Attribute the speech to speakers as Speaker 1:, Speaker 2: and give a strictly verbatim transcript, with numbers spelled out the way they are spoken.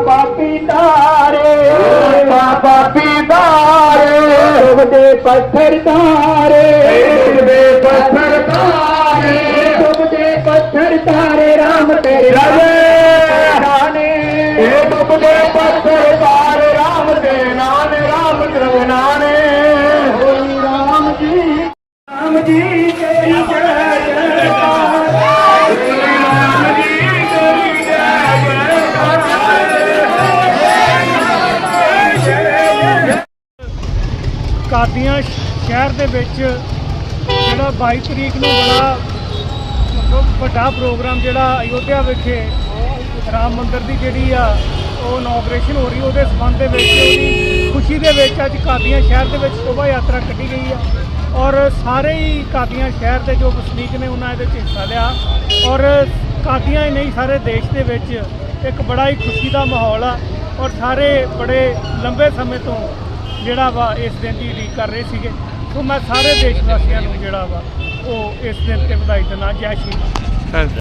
Speaker 1: पापी तारे पापी तारे डूबते पत्थर तारे डूबते पत्थर तारे डूबते पत्थर तारे राम तेरे नाने डूबते पत्थर तारे राम तेरे नाने राम तेरे नाने राम जी राम जी तेरी जय जयकार राम जी तेरी
Speaker 2: ਕਾਦੀਆਂ ਸ਼ਹਿਰ ਦੇ ਵਿੱਚ ਜਿਹੜਾ ਬਾਈ ਤਰੀਕ ਨੂੰ ਬੜਾ ਮਤਲਬ ਵੱਡਾ ਪ੍ਰੋਗਰਾਮ ਜਿਹੜਾ ਅਯੋਧਿਆ ਵਿਖੇ ਰਾਮ ਮੰਦਿਰ ਦੀ ਜਿਹੜੀ ਆ ਉਹ ਇਨੋਗ੍ਰੇਸ਼ਨ ਹੋ ਰਹੀ ਉਹਦੇ ਸੰਬੰਧ ਦੇ ਵਿੱਚ ਉਹਦੀ ਖੁਸ਼ੀ ਦੇ ਵਿੱਚ ਅੱਜ ਕਾਦੀਆਂ ਸ਼ਹਿਰ ਦੇ ਵਿੱਚ ਸ਼ੋਭਾ ਯਾਤਰਾ ਕੱਢੀ ਗਈ ਆ ਔਰ ਸਾਰੇ ਹੀ ਕਾਦੀਆਂ ਸ਼ਹਿਰ ਦੇ ਜੋ ਵਸਨੀਕ ਨੇ ਉਹਨਾਂ ਇਹਦੇ 'ਚ ਹਿੱਸਾ ਲਿਆ ਔਰ ਕਾਦੀਆਂ ਹੀ ਨਹੀਂ ਸਾਰੇ ਦੇਸ਼ ਦੇ ਵਿੱਚ ਇੱਕ ਬੜਾ ਹੀ ਖੁਸ਼ੀ ਦਾ ਮਾਹੌਲ ਆ ਔਰ ਸਾਰੇ ਬੜੇ ਲੰਬੇ ਸਮੇਂ ਤੋਂ ਜਿਹੜਾ ਵਾ ਇਸ ਦਿਨ ਦੀ ਉਡੀਕ ਕਰ ਰਹੇ ਸੀਗੇ। ਸੋ ਮੈਂ ਸਾਰੇ ਦੇਸ਼ ਵਾਸੀਆਂ ਨੂੰ ਜਿਹੜਾ ਵਾ ਉਹ ਇਸ ਦਿਨ ਤੇ ਵਧਾਈ ਦਿੰਦਾ। ਜੈ ਸ਼੍ਰੀ ਰਾਮ।